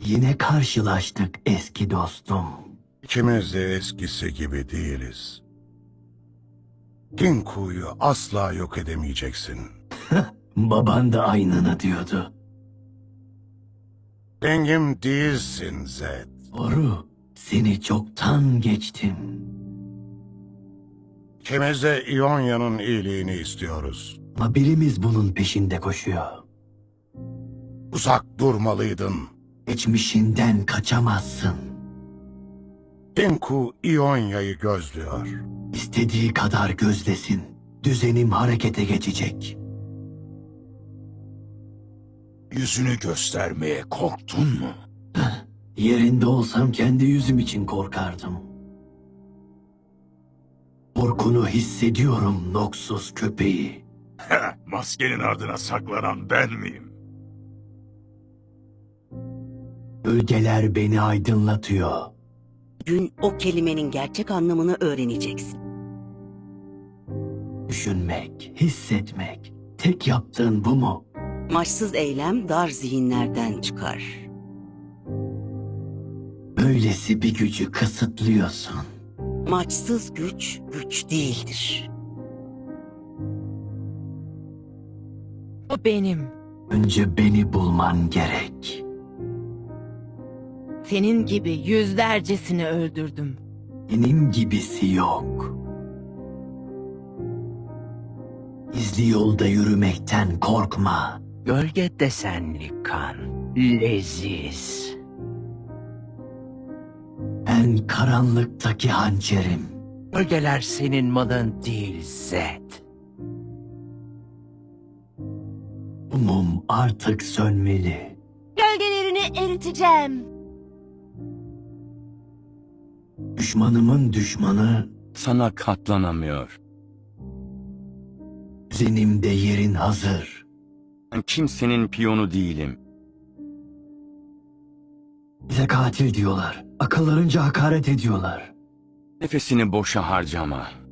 Yine karşılaştık eski dostum. İkimiz de eskisi gibi değiliz. Kinku'yu asla yok edemeyeceksin. Baban da aynını diyordu. Dengim değilsin Zed. Doğru, seni çoktan geçtim. İkimiz de İonya'nın iyiliğini istiyoruz. Ama birimiz bunun peşinde koşuyor. Uzak durmalıydın. Geçmişinden kaçamazsın. Kinku İonya'yı gözlüyor. İstediği kadar gözlesin. Düzenim harekete geçecek. Yüzünü göstermeye korktun mu? Yerinde olsam kendi yüzüm için korkardım. Korkunu hissediyorum Noxus köpeği. Maskenin ardına saklanan ben miyim? Gölgeler beni aydınlatıyor. Gün o kelimenin gerçek anlamını öğreneceksin. Düşünmek, hissetmek. Tek yaptığın bu mu? Maçsız eylem dar zihinlerden çıkar. Böylesi bir gücü kısıtlıyorsun. Maçsız güç, güç değildir. O benim. Önce beni bulman gerek. Senin gibi yüzlercesini öldürdüm. Benim gibisi yok. Gizli yolda yürümekten korkma. Gölge desenli kan, leziz. Ben karanlıktaki hançerim. Gölgeler senin malın değil Zed. Bu mum artık sönmeli. Gölgelerini eriteceğim. Düşmanımın düşmanı Sana katlanamıyor. düzenimde yerin hazır. Ben kimsenin piyonu değilim. Bize katil diyorlar. Akıllarınca hakaret ediyorlar. Nefesini boşa harcama.